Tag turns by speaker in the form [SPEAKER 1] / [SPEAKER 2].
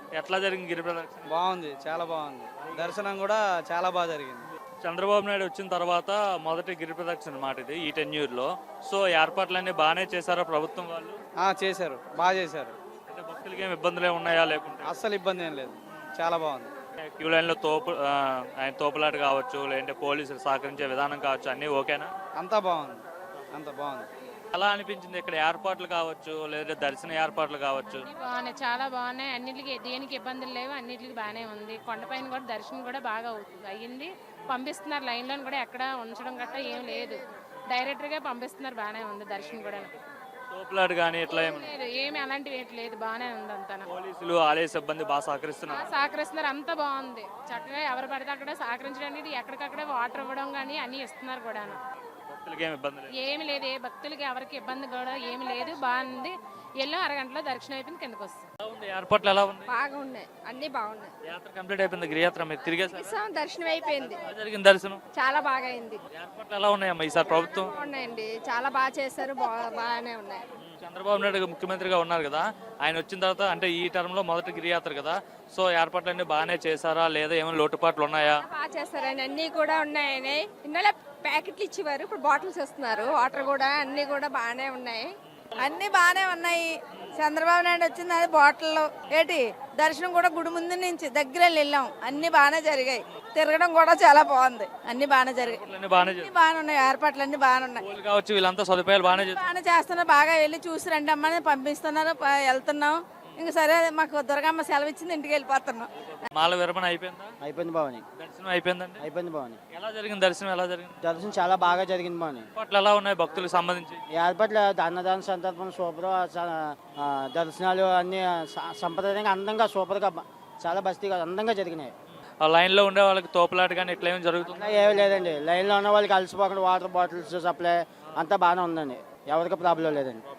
[SPEAKER 1] ఎట్లా జరిగింది గిరి ప్రదక్షిణ?
[SPEAKER 2] బాగుంది, చాలా బాగుంది. దర్శనం కూడా చాలా బాగా జరిగింది.
[SPEAKER 1] చంద్రబాబు నాయుడు వచ్చిన తర్వాత మొదటి గిరి ప్రదక్షిణ మాట ఇది ఈ టెన్యూర్లో. సో ఏర్పాట్లన్నీ బాగానే చేశారా ప్రభుత్వం వాళ్ళు?
[SPEAKER 2] చేశారు, బాగా చేశారు.
[SPEAKER 1] అంటే భక్తులకి ఏమి ఇబ్బందులు ఉన్నాయా లేకుంటే?
[SPEAKER 2] అస్సలు ఇబ్బంది ఏం లేదు, చాలా బాగుంది.
[SPEAKER 1] క్యూ లైన్లో ఆయన తోపులాట కావచ్చు, లేదంటే పోలీసులు సహకరించే విధానం కావచ్చు, అన్నీ ఓకేనా?
[SPEAKER 2] అంతా బాగుంది, అంతా బాగుంది.
[SPEAKER 1] ఎలా అనిపించింది ఇక్కడ ఏర్పాట్లు కావచ్చు, లేదా దర్శన ఏర్పాట్లు కావచ్చు?
[SPEAKER 3] బాగున్నాయి, చాలా బాగున్నాయి. అన్నిటికీ దేనికి ఇబ్బందులు లేవు, అన్నిటికీ బాగానే ఉంది. కొండపైన కూడా దర్శనం కూడా బాగా అయ్యింది. పంపిస్తున్నారు, లైన్లో కూడా ఎక్కడ ఉంచడం గట్రా ఏం లేదు, డైరెక్ట్గా పంపిస్తున్నారు. బాగానే ఉంది దర్శనం కూడా.
[SPEAKER 1] తోపులాట కానీ ఇట్లా ఏమి
[SPEAKER 3] లేదు, ఏమి అలాంటివి ఏంటి లేదు, బాగానే ఉంది అంతా.
[SPEAKER 1] పోలీసులు ఆలయ సిబ్బంది బాగా సహకరిస్తున్నారు.
[SPEAKER 3] సహకరిస్తున్నారు, అంతా బాగుంది. చక్కగా ఎవరు పడితే అక్కడ సహకరించడానికి ఎక్కడికక్కడే వాటర్ ఇవ్వడం కానీ అన్నీ ఇస్తున్నారు కూడా.
[SPEAKER 1] భక్తులకి ఏమి ఇబ్బంది లేదు.
[SPEAKER 3] ఏమి లేదు, ఏ భక్తులకి ఎవరికి ఇబ్బంది కూడా ఏమి లేదు, బాగుంది. ఎల్లో అరగంటలో దర్శనం అయిపోయింది, కిందకు వస్తుంది.
[SPEAKER 1] ఎలా ఉంది ఏర్పాట్లు? ఎలా ఉంది?
[SPEAKER 4] బాగున్నాయి, అన్ని బాగున్నాయి.
[SPEAKER 1] యాత్ర కంప్లీట్ అయిపోయింది, గిరియాత్ర మీరు తిరిగేసారు.
[SPEAKER 4] దర్శనం అయిపోయింది,
[SPEAKER 1] ఎలా జరిగింది దర్శనం?
[SPEAKER 4] చాలా బాగా అయింది.
[SPEAKER 1] ఏర్పాట్లు ఎలా ఉన్నాయమ్మా ఈసారి ప్రభుత్వం?
[SPEAKER 4] ఉన్నాయండి, చాలా బాగా చేశారు, బాగానే ఉన్నాయి.
[SPEAKER 1] చంద్రబాబు నాయుడు ముఖ్యమంత్రిగా ఉన్నారు కదా, ఆయన వచ్చిన తర్వాత అంటే ఈ టర్మ్ లో మొదటి గిరియాత్ర కదా, సో ఏర్పాట్లన్నీ బాగానే చేశారా లేదా ఏమైనా లోటుపాట్లు ఉన్నాయా?
[SPEAKER 4] బాగా చేస్తారని అన్ని కూడా ఉన్నాయని. ఇన్నోళ్ళ ప్యాకెట్లు ఇచ్చేవారు, ఇప్పుడు బాటిల్స్ ఇస్తున్నారు. వాటర్ కూడా అన్ని కూడా బాగానే ఉన్నాయి.
[SPEAKER 5] అన్ని బాగానే ఉన్నాయి. చంద్రబాబు నాయుడు వచ్చింది అది బాటిల్లో ఏంటి దర్శనం కూడా గుడి ముందు నుంచి దగ్గర వెళ్ళాం. అన్ని బాగానే జరిగాయి, తిరగడం కూడా చాలా బాగుంది. అన్ని బాగానే జరిగాయి, అన్ని బాగానే ఉన్నాయి. ఏర్పాట్లు అన్ని బాగానే ఉన్నాయి.
[SPEAKER 1] స్కూల్ కావచ్చు, వీళ్ళంతా సదుపాయాలు
[SPEAKER 5] బాగానే చేస్తున్నారు. బాగా వెళ్ళి చూసి రండి అమ్మని పంపిస్తున్నారు, వెళ్తున్నాం. ఇంక సరే మాకు దుర్గమ్మ సెలవు ఇచ్చింది, ఇంటికి వెళ్ళిపోతున్నాం.
[SPEAKER 1] మాల విరమణ అయిపోయిందా?
[SPEAKER 6] అయిపోయింది బావని.
[SPEAKER 1] దర్శనం అయిపోయిందండి?
[SPEAKER 6] అయిపోయింది బావని.
[SPEAKER 1] ఎలా జరిగింది దర్శనం? ఎలా జరిగింది
[SPEAKER 6] దర్శనం? చాలా బాగా జరిగింది బావని.
[SPEAKER 1] ఏర్పాట్లు ఎలా ఉన్నాయి భక్తులకు సంబంధించి?
[SPEAKER 6] ఏర్పాట్లు అన్నదాన సందర్భం సూపర్. దర్శనాలు అన్ని సంప్రదాయంగా అందంగా సూపర్గా చాలా బస్తీగా అందంగా జరిగినాయి.
[SPEAKER 1] ఆ లైన్ లో ఉండే వాళ్ళకి తోపులాట కానీ ఇట్లా ఏమి జరుగుతుంది?
[SPEAKER 6] ఏమీ లేదండి, లైన్లో ఉన్న వాళ్ళకి అలసిపోకుండా వాటర్ బాటిల్స్ సప్లై అంతా బాగానే ఉందండి, ఎవరికి ప్రాబ్లం లేదండి.